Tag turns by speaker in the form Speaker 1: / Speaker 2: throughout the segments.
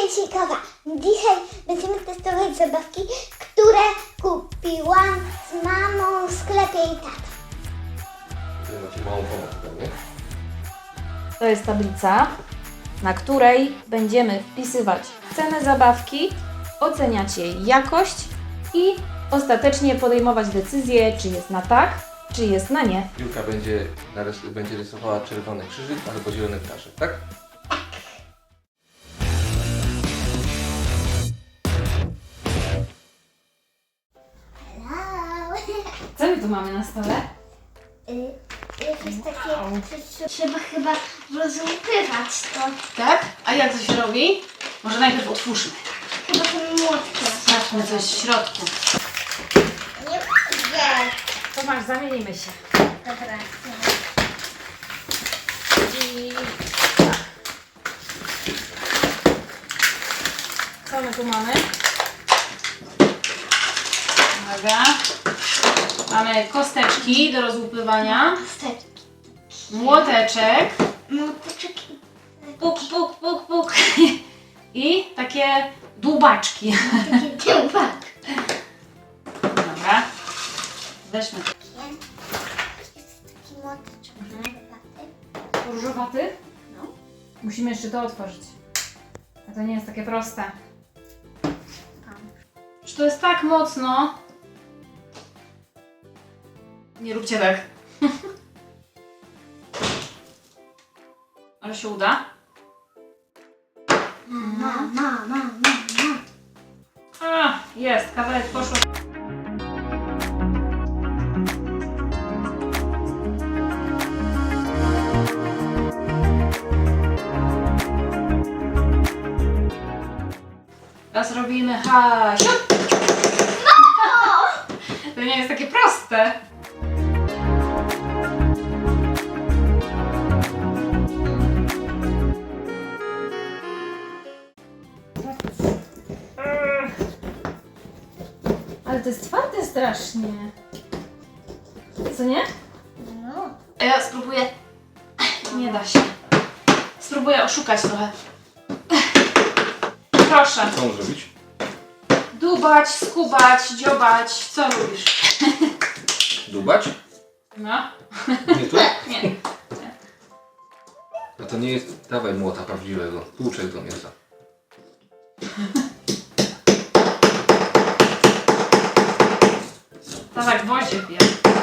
Speaker 1: Jusikowa. Dzisiaj będziemy testować zabawki, które kupiłam z mamą w sklepie i tatą.
Speaker 2: Tutaj macie małą pomockę, nie?
Speaker 3: To jest tablica, na której będziemy wpisywać cenę zabawki, oceniać jej jakość i ostatecznie podejmować decyzję, czy jest na tak, czy jest na nie.
Speaker 2: Julka będzie rysowała czerwony krzyżyk albo zielony ptaszek, tak?
Speaker 1: Hello.
Speaker 3: Co my tu mamy na stole?
Speaker 1: Jakieś takie, że trzeba chyba rozłupywać to.
Speaker 4: Tak? A jak to się robi? Może najpierw otwórzmy.
Speaker 1: Chyba tym młotkiem.
Speaker 4: Sprawdźmy coś w środku.
Speaker 1: Nie mogę.
Speaker 3: To masz, zamienimy się.
Speaker 1: Dobra.
Speaker 3: I tak. Co my tu mamy?
Speaker 4: Uwaga. Mamy kosteczki do rozłupywania,
Speaker 1: Steczki.
Speaker 4: młoteczek,
Speaker 1: Młoteczek.
Speaker 4: puk, puk, puk, puk i takie dłubaczki.
Speaker 1: Takie dziębak.
Speaker 4: Dobra. Weźmy
Speaker 1: Jest taki młoteczek różowaty.
Speaker 3: Różowaty?
Speaker 1: No.
Speaker 3: Musimy jeszcze to otworzyć. A to nie jest takie proste.
Speaker 4: Że to jest tak mocno. Nie róbcie tak. Ale się uda.
Speaker 1: Mama.
Speaker 4: A, jest, kawałek poszło. Teraz robimy hasiu. To nie jest takie proste.
Speaker 3: Ale to jest twarde strasznie. Co nie?
Speaker 1: No.
Speaker 4: Ja spróbuję. Nie da się. Spróbuję oszukać trochę. Proszę.
Speaker 2: Co mam zrobić?
Speaker 4: Dubać, skubać, dziobać. Co lubisz?
Speaker 2: Dubać?
Speaker 4: No.
Speaker 2: Nie tu?
Speaker 4: Nie.
Speaker 2: A to nie jest... Dawaj młota prawdziwego. Tłuczek do mięsa.
Speaker 4: To tak gwoździe pije.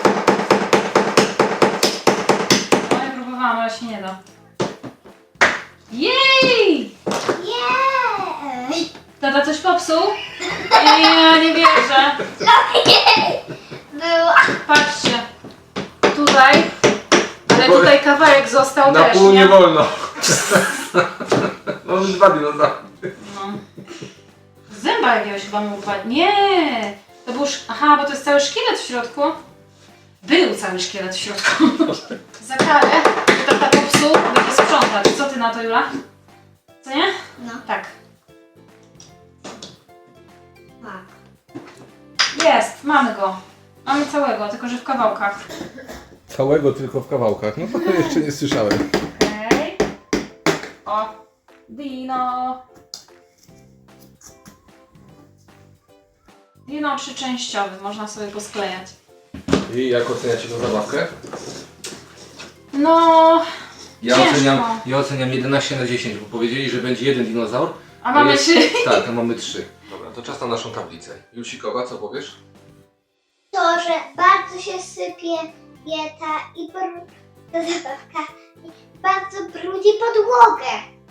Speaker 4: No ja próbowałam, ale się nie da. Jej!
Speaker 1: Jej!
Speaker 4: Tata coś popsuł? Ja nie wierzę.
Speaker 1: Było.
Speaker 4: Patrzcie. Tutaj. Ale tutaj kawałek został
Speaker 2: Na
Speaker 4: też,
Speaker 2: pół
Speaker 4: nie?
Speaker 2: nie wolno. Mamy dwa dinozaury.
Speaker 4: No. Z zęba jakiegoś chyba mu upadł. Nie! To był... Aha, bo to jest cały szkielet w środku. Był cały szkielet w środku. Za karę, że tata popsuł, będzie sprzątać. Co ty na to, Jula? Co nie?
Speaker 1: No.
Speaker 4: Tak.
Speaker 1: Tak.
Speaker 4: Jest, mamy go. Mamy całego, tylko że w kawałkach.
Speaker 2: Całego tylko w kawałkach. No to jeszcze nie słyszałem.
Speaker 4: Okej. O, dino. Dino trzyczęściowy, można sobie posklejać.
Speaker 2: I jak oceniacie tę zabawkę?
Speaker 4: No, ciężko.
Speaker 2: Ja oceniam 11 na 10, bo powiedzieli, że będzie jeden dinozaur.
Speaker 4: A mamy
Speaker 2: jest,
Speaker 4: 3.
Speaker 2: Tak, a mamy 3. Dobra, to czas na naszą tablicę. Jusikowa, co powiesz?
Speaker 1: To, że bardzo się sypie ta ta zabawka i bardzo brudzi podłogę.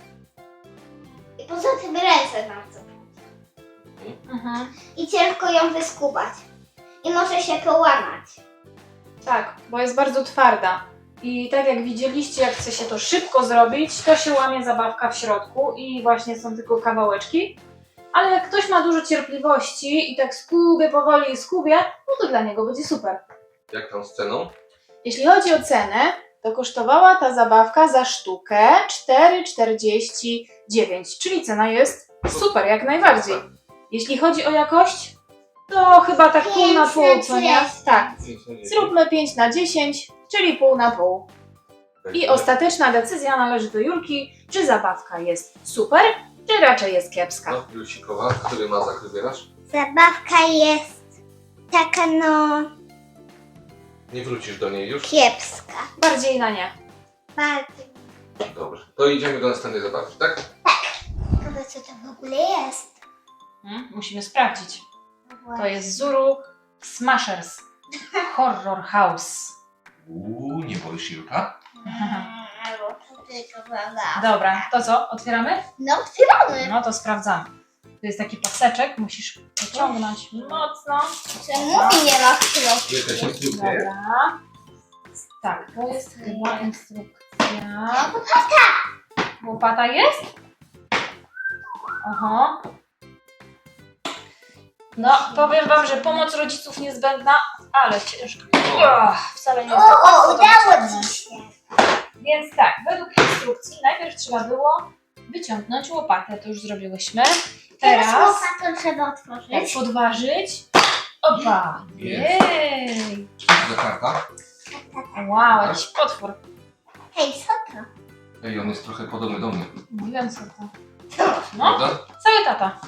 Speaker 1: I poza tym ręce bardzo brudzi.
Speaker 4: Mhm.
Speaker 1: I ciężko ją wyskubać. I może się połamać.
Speaker 4: Tak, bo jest bardzo twarda. I tak jak widzieliście, jak chce się to szybko zrobić, to się łamie zabawka w środku i właśnie są tylko kawałeczki. Ale jak ktoś ma dużo cierpliwości i tak skubie, no to dla niego będzie super.
Speaker 2: Jak tam z ceną?
Speaker 4: Jeśli chodzi o cenę, to kosztowała ta zabawka za sztukę 4,49, czyli cena jest super, jak najbardziej. Jeśli chodzi o jakość, to chyba tak pół na pół, co nie? Tak. Zróbmy 5 na 10, czyli pół na pół. I ostateczna decyzja należy do Julki, czy zabawka jest super, czy raczej jest kiepska?
Speaker 2: No, Jusikowa, który mazak wybierasz?
Speaker 1: Zabawka jest taka no
Speaker 2: Nie wrócisz do niej już?
Speaker 1: kiepska.
Speaker 4: Bardziej na nie.
Speaker 1: Bardzo.
Speaker 2: Dobrze. To idziemy do następnej zabawki, tak?
Speaker 1: Chyba co to w ogóle jest?
Speaker 4: Musimy sprawdzić.
Speaker 1: No
Speaker 4: To
Speaker 1: właśnie.
Speaker 4: jest Zuru Smashers Horror House.
Speaker 2: Nie boisz się, Julka?
Speaker 1: Bo to tylko zabawa.
Speaker 4: Dobra, to co? Otwieramy?
Speaker 1: No otwieramy.
Speaker 4: No to sprawdzamy. To jest taki paseczek, musisz pociągnąć mocno.
Speaker 1: Czemu nie ma w środku?
Speaker 2: Jakaś instrukcja jest?
Speaker 4: Dobra. Tak, to jest chyba instrukcja. Łopata jest? Aha. No, powiem wam, że pomoc rodziców niezbędna, ale ciężko. Wcale nie jest tak
Speaker 1: O,
Speaker 4: łatwo to
Speaker 1: udało
Speaker 4: wyciągnąć.
Speaker 1: ci się.
Speaker 4: Więc tak, według instrukcji najpierw trzeba było wyciągnąć łopatę, to już zrobiłyśmy.
Speaker 1: Teraz
Speaker 4: Teraz
Speaker 1: łopatą trzeba
Speaker 4: tak,
Speaker 1: otworzyć.
Speaker 4: podważyć. Opa!
Speaker 2: Jest.
Speaker 4: Jej!
Speaker 2: Co to za karta?
Speaker 4: Wow, jakiś potwór.
Speaker 1: Hej, co to?
Speaker 2: Ej, on jest trochę podobny do mnie.
Speaker 4: Nie wiem co to. No,
Speaker 2: Prawda?
Speaker 4: cały tata.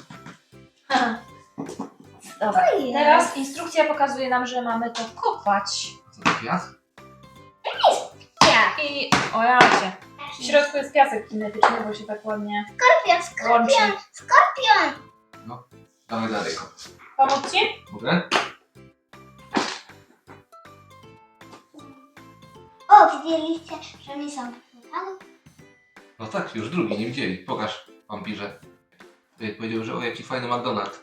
Speaker 4: Dobra,
Speaker 1: To jest.
Speaker 4: teraz instrukcja pokazuje nam, że mamy to kopać.
Speaker 2: Co to piach?
Speaker 1: Ja.
Speaker 4: I o jacie. W środku jest piasek kinetyczny, bo się tak ładnie
Speaker 1: Skorpion,
Speaker 4: łączy.
Speaker 1: skorpion, skorpion.
Speaker 2: Dawaj dalej.
Speaker 4: Pomóc ci?
Speaker 2: Mogę?
Speaker 1: O, widzieliście, że mi są wypływały?
Speaker 2: No tak, już drugi, nie widzieli. Pokaż, wampirze. Powiedział, że o, jaki fajny McDonald's.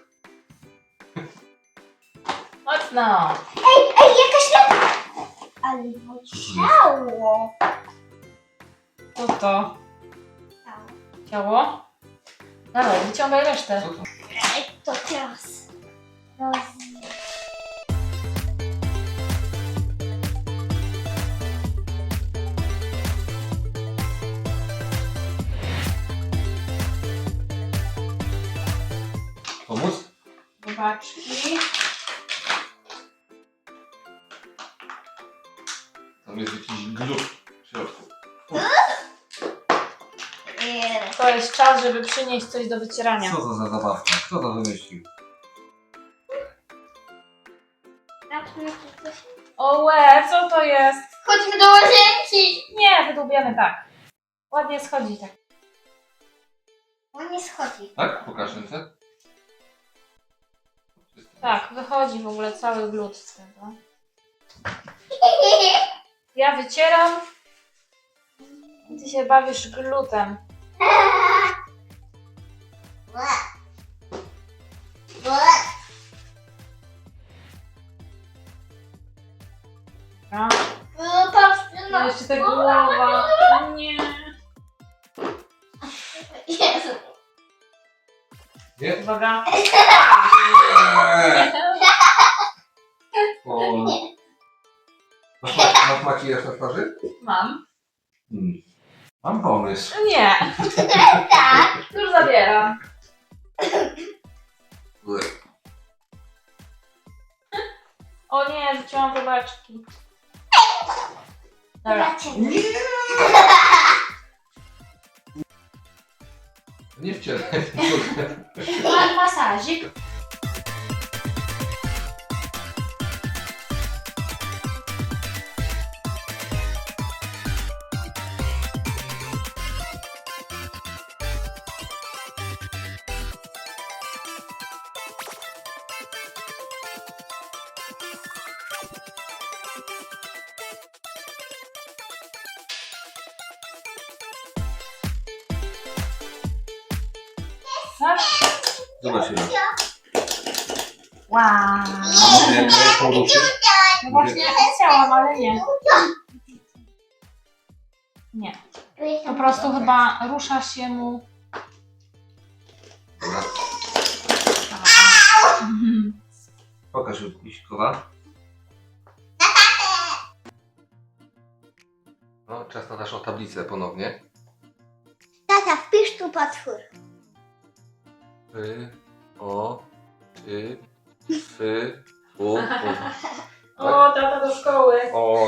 Speaker 4: Mocno.
Speaker 1: Ej, jakaś lampa. Ale ciało.
Speaker 4: Co to? Ciało? Dawaj, wyciągaj resztę.
Speaker 2: Co to?
Speaker 1: Ej, to teraz.
Speaker 2: Pomóc?
Speaker 4: Zobaczki.
Speaker 2: Tam jest jakiś glut w środku.
Speaker 4: To jest czas, żeby przynieść coś do wycierania.
Speaker 2: Co to za zabawka? Kto to wymyślił?
Speaker 4: O łe, co to jest?
Speaker 1: Chodźmy do łazienki.
Speaker 4: Nie, wydłubiamy tak. Ładnie schodzi tak.
Speaker 1: On nie schodzi.
Speaker 2: Tak? Pokaż ręce.
Speaker 4: Tak, wychodzi w ogóle cały glut z tego. Ja wycieram. Ty się bawisz glutem. No.
Speaker 1: Patrzcie
Speaker 4: Ja jeszcze ta głowa. Nie.
Speaker 1: Jezu.
Speaker 2: Nie?
Speaker 4: Uwaga.
Speaker 2: O. Masz makijaż na twarzy?
Speaker 4: Mam.
Speaker 2: Mam pomysł.
Speaker 4: Nie.
Speaker 1: Tak.
Speaker 4: Już zabieram. O nie, rzuciłam wybaczki. Dobra.
Speaker 1: Zobaczymy.
Speaker 2: Nie wcieraj.
Speaker 4: Mam masażyk. Tak?
Speaker 2: Zobacz się.
Speaker 4: Wow.
Speaker 2: Może jak poruszy?
Speaker 4: No właśnie chciałam, ale nie. Nie. Po prostu chyba rusza się mu.
Speaker 2: Dobra.
Speaker 4: Mhm.
Speaker 2: Pokaż Jusikowa. No, czas na naszą tablicę ponownie.
Speaker 1: Tata, wpisz tu potwór.
Speaker 2: O, ty, fy, u.
Speaker 4: O, tata do szkoły.
Speaker 2: O,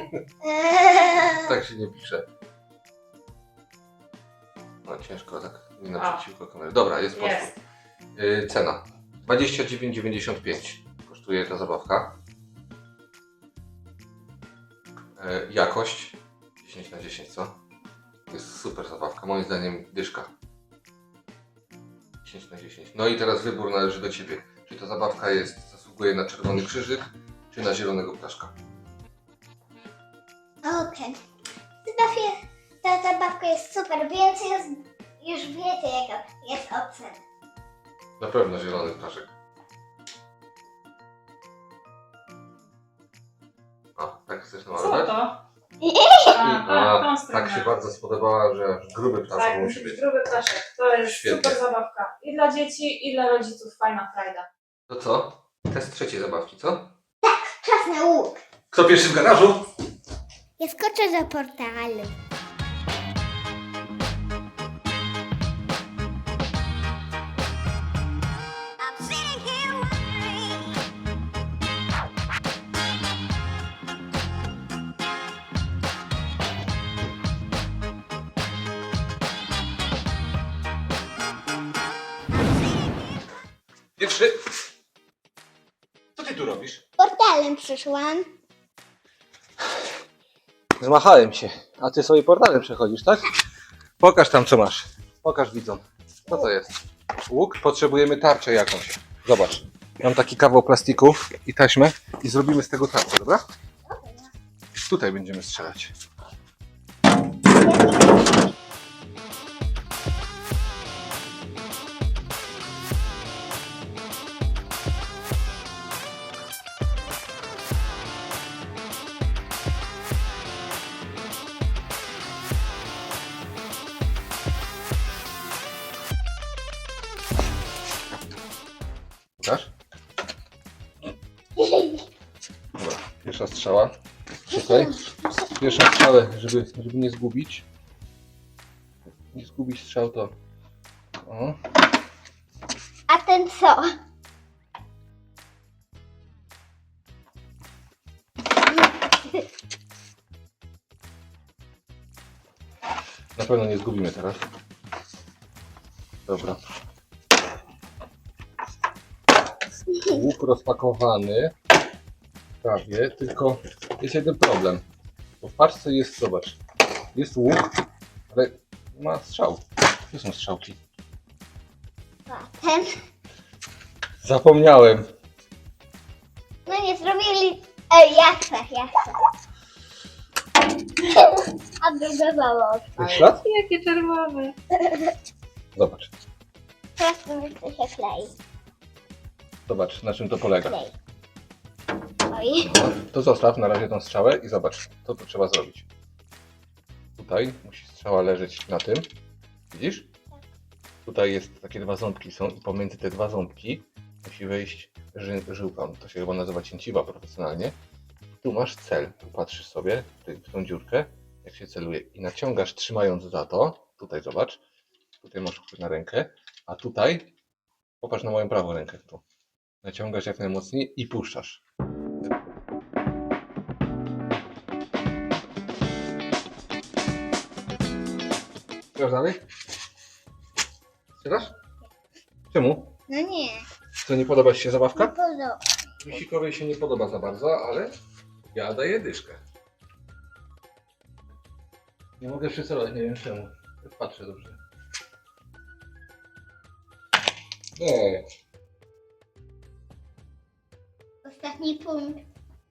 Speaker 2: tak się nie pisze. No ciężko tak. Nie naprzeciwko kamery. Dobra, jest poszło.
Speaker 4: Jest.
Speaker 2: Cena 29,95 kosztuje ta zabawka. Jakość 10 na 10, co? To jest super zabawka, moim zdaniem dyszka. 10 na 10. No i teraz wybór należy do Ciebie. Czy ta zabawka zasługuje na czerwony krzyżyk, czy na zielonego ptaszka?
Speaker 1: Okej. Ta zabawka jest super, więc już wiecie jaka jest ocena.
Speaker 2: Na pewno zielony ptaszek. A, tak chcesz
Speaker 4: Co
Speaker 2: namalować?
Speaker 4: to?
Speaker 2: A,
Speaker 4: tą stronę.
Speaker 2: tak się bardzo spodobała, że aż gruby ptaszek
Speaker 4: Tak,
Speaker 2: musi być.
Speaker 4: gruby ptaszek. To jest
Speaker 2: Świetnie.
Speaker 4: super zabawka. I dla dzieci, i dla rodziców fajna frajda.
Speaker 2: To co? Test trzeciej zabawki, co?
Speaker 1: Czas na łuk.
Speaker 2: Kto pierwszy w garażu?
Speaker 1: Ja skoczę za portalem.
Speaker 2: Pierwszy. Co ty tu robisz?
Speaker 1: Portalem przyszłam.
Speaker 2: Zmachałem się, a ty sobie portalem przechodzisz, tak? Pokaż tam co masz. Pokaż widzom. Co to jest? Łuk? Potrzebujemy tarczę jakąś. Zobacz. Mam taki kawał plastiku i taśmę i zrobimy z tego tarczę, dobra? Tutaj będziemy strzelać. Pokaż? Dobra, pierwsza strzała. Tutaj. Pierwszą strzałę, żeby nie zgubić. Nie zgubić strzał to. O.
Speaker 1: A ten co?
Speaker 2: Na pewno nie zgubimy teraz. Dobra. Łuk rozpakowany. Prawie, tylko jest jeden problem. Bo w paczce jest, zobacz, jest łuk, ale ma strzał. Gdzie są strzałki?
Speaker 1: A ten?
Speaker 2: Zapomniałem.
Speaker 1: No nie zrobili... ja chcę. A druga założę.
Speaker 2: Jest ślad?
Speaker 4: Jakie czerwone.
Speaker 2: Zobacz.
Speaker 1: Teraz to mi chce się klei.
Speaker 2: Zobacz, na czym to polega.
Speaker 1: Klej. Oj.
Speaker 2: No, to zostaw na razie tą strzałę i zobacz, co tu trzeba zrobić. Tutaj musi strzała leżeć na tym. Widzisz? Tutaj jest takie dwa ząbki są i pomiędzy te dwa ząbki musi wejść żyłka. To się chyba nazywa cięciwa profesjonalnie. Tu masz cel. Tu patrzysz sobie w tą dziurkę, jak się celuje i naciągasz trzymając za to. Tutaj zobacz. Tutaj masz chwyt na rękę, a tutaj popatrz na moją prawą rękę. Tu. Naciągasz jak najmocniej i puszczasz. Chcesz dalej? Strzelasz? Czemu?
Speaker 1: No nie.
Speaker 2: Co, nie podoba Ci się
Speaker 1: Nie
Speaker 2: zabawka?
Speaker 1: podoba.
Speaker 2: Misikowej się nie podoba za bardzo, ale ja daję dyszkę. Nie mogę przycelować, nie wiem czemu. Patrzę dobrze. Nie.
Speaker 1: Ostatni punkt.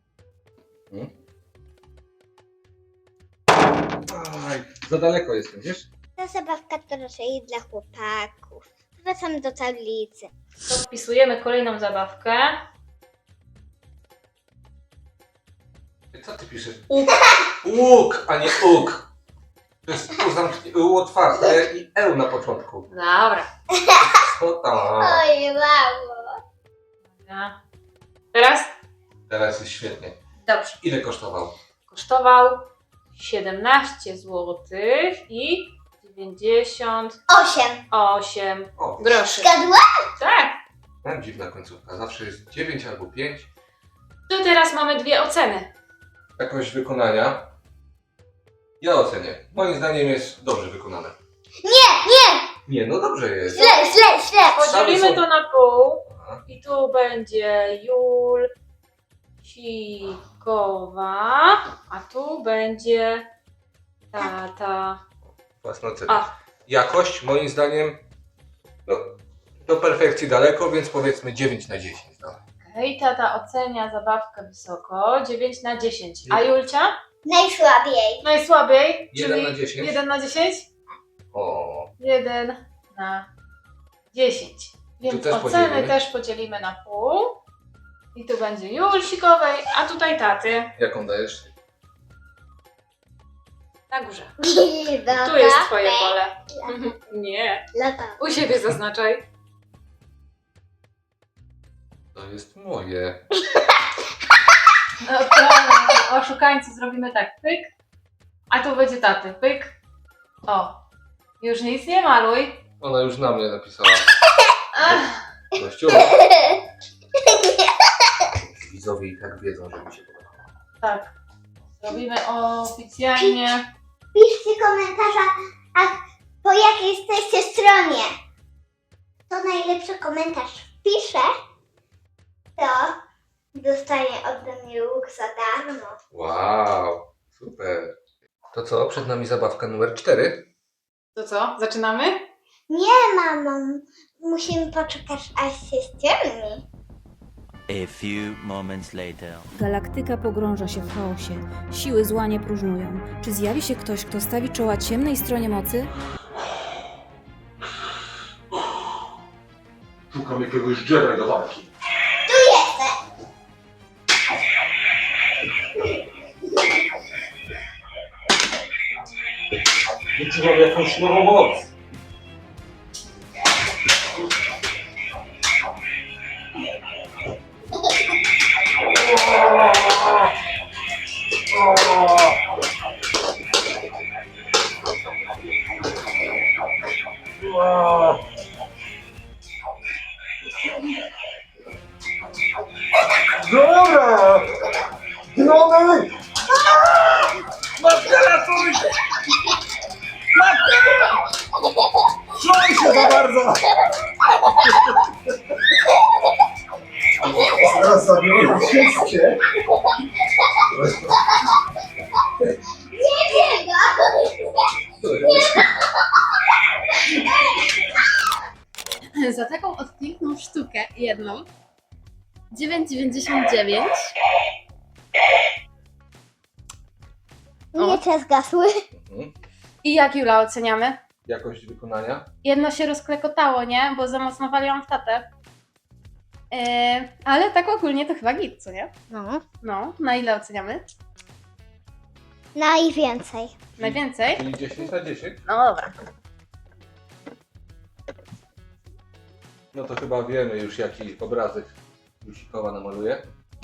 Speaker 2: Aj, za daleko jestem, wiesz?
Speaker 1: Ta zabawka to raczej dla chłopaków. Wracam do tablicy.
Speaker 4: To wpisujemy kolejną zabawkę.
Speaker 2: Co ty piszesz?
Speaker 4: Łuk.
Speaker 2: Łuk, a nie łuk. To jest U otwarte i L na początku.
Speaker 4: Dobra.
Speaker 2: Co tam?
Speaker 1: Oj, mało.
Speaker 4: Dobra. Teraz?
Speaker 2: Teraz jest świetnie.
Speaker 4: Dobrze.
Speaker 2: Ile kosztował?
Speaker 4: Kosztował 17 zł i 98
Speaker 1: 8.
Speaker 2: O,
Speaker 4: groszy.
Speaker 1: Zgadła?
Speaker 4: Tak.
Speaker 2: mam dziwna końcówka. Zawsze jest 9 albo 5.
Speaker 4: Tu teraz mamy dwie oceny.
Speaker 2: Jakość wykonania. Ja ocenię. Moim zdaniem jest dobrze wykonane.
Speaker 1: Nie!
Speaker 2: Nie, no dobrze jest.
Speaker 1: Źle.
Speaker 4: Podzielimy
Speaker 2: są-
Speaker 4: to na pół.
Speaker 2: Aha.
Speaker 4: I tu będzie Julsikowa, a tu będzie tata.
Speaker 2: Własna ocena.
Speaker 4: A,
Speaker 2: Jakość moim zdaniem no, do perfekcji daleko, więc powiedzmy 9 na 10. No.
Speaker 4: okej, tata ocenia zabawkę wysoko, 9 na 10. A Julcia?
Speaker 1: Najsłabiej.
Speaker 4: Najsłabiej,
Speaker 2: 1
Speaker 4: czyli
Speaker 2: na 10.
Speaker 4: 1 na 10?
Speaker 2: O,
Speaker 4: 1 na 10. Więc
Speaker 2: też
Speaker 4: oceny
Speaker 2: podzielimy?
Speaker 4: też podzielimy na pół. I tu będzie Julsikowej, a tutaj taty.
Speaker 2: jaką dajesz?
Speaker 4: Na górze.
Speaker 1: Dobra.
Speaker 4: Tu jest twoje pole. Nie.
Speaker 1: Lata.
Speaker 4: U siebie zaznaczaj.
Speaker 2: To jest moje.
Speaker 4: No to oszukańcy zrobimy tak, pyk. A tu będzie taty, pyk. O. Już nic nie maluj.
Speaker 2: Ona już na mnie napisała.
Speaker 4: Ach,
Speaker 2: Gościu. Widzowie i tak wiedzą, że mi się podoba.
Speaker 4: tak. Zrobimy oficjalnie.
Speaker 1: Piszcie komentarza, a po jakiej jesteście stronie. Kto najlepszy komentarz wpisze, to dostanie ode mnie łuk za darmo.
Speaker 2: Wow, super. To co, przed nami zabawka numer 4.
Speaker 4: To co? Zaczynamy?
Speaker 1: Nie, mamo, musimy poczekać, aż się ściemni.
Speaker 5: A few moments later.
Speaker 6: Galaktyka pogrąża się w chaosie. Siły zła nie próżnują. Czy zjawi się ktoś, kto stawi czoła ciemnej stronie mocy?
Speaker 2: Szukam jakiegoś Jedi do walki. Wyczuwam jakąś nową moc. Dobra! Dronek! Matka ratuj! Matka! Trzymaj się za bardzo! Zaraz zabiorę wszystkie.
Speaker 7: Za taką piękną sztukę jedną 9,99.
Speaker 1: Miecze zgasły.
Speaker 7: I jak Jula oceniamy?
Speaker 2: Jakość wykonania?
Speaker 7: Jedno się rozklekotało, nie? Bo za mocno waliłam w tatę. Ale tak ogólnie to chyba git, co nie?
Speaker 1: No.
Speaker 7: No, na ile oceniamy?
Speaker 1: Najwięcej.
Speaker 7: Najwięcej?
Speaker 2: Czyli 10 na 10?
Speaker 7: No dobra.
Speaker 2: No to chyba wiemy już jaki obrazek Jusikowa namaluje.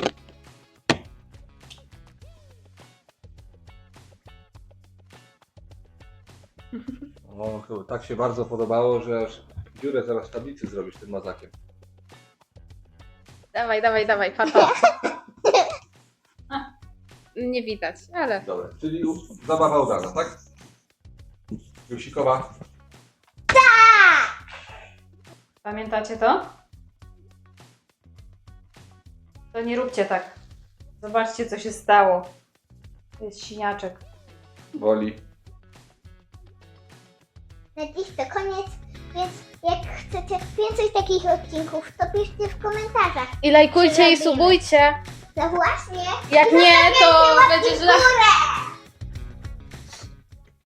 Speaker 2: O, chyba tak się bardzo podobało, że aż dziurę zaraz w tablicy zrobisz tym mazakiem.
Speaker 7: Dawaj, pato. Nie widać, ale...
Speaker 2: Dobra, czyli zabawa udana, tak? Jusikowa.
Speaker 4: Pamiętacie to? To nie róbcie tak. Zobaczcie, co się stało. To jest siniaczek.
Speaker 2: Woli.
Speaker 1: Na dziś to koniec, więc jak chcecie więcej takich odcinków, to piszcie w komentarzach.
Speaker 7: I lajkujcie i
Speaker 1: Zrobimy.
Speaker 7: subujcie.
Speaker 1: No właśnie.
Speaker 7: Jak nie, to
Speaker 1: Zostawiajcie łapki
Speaker 7: będzie
Speaker 1: w
Speaker 7: źle.
Speaker 1: górę.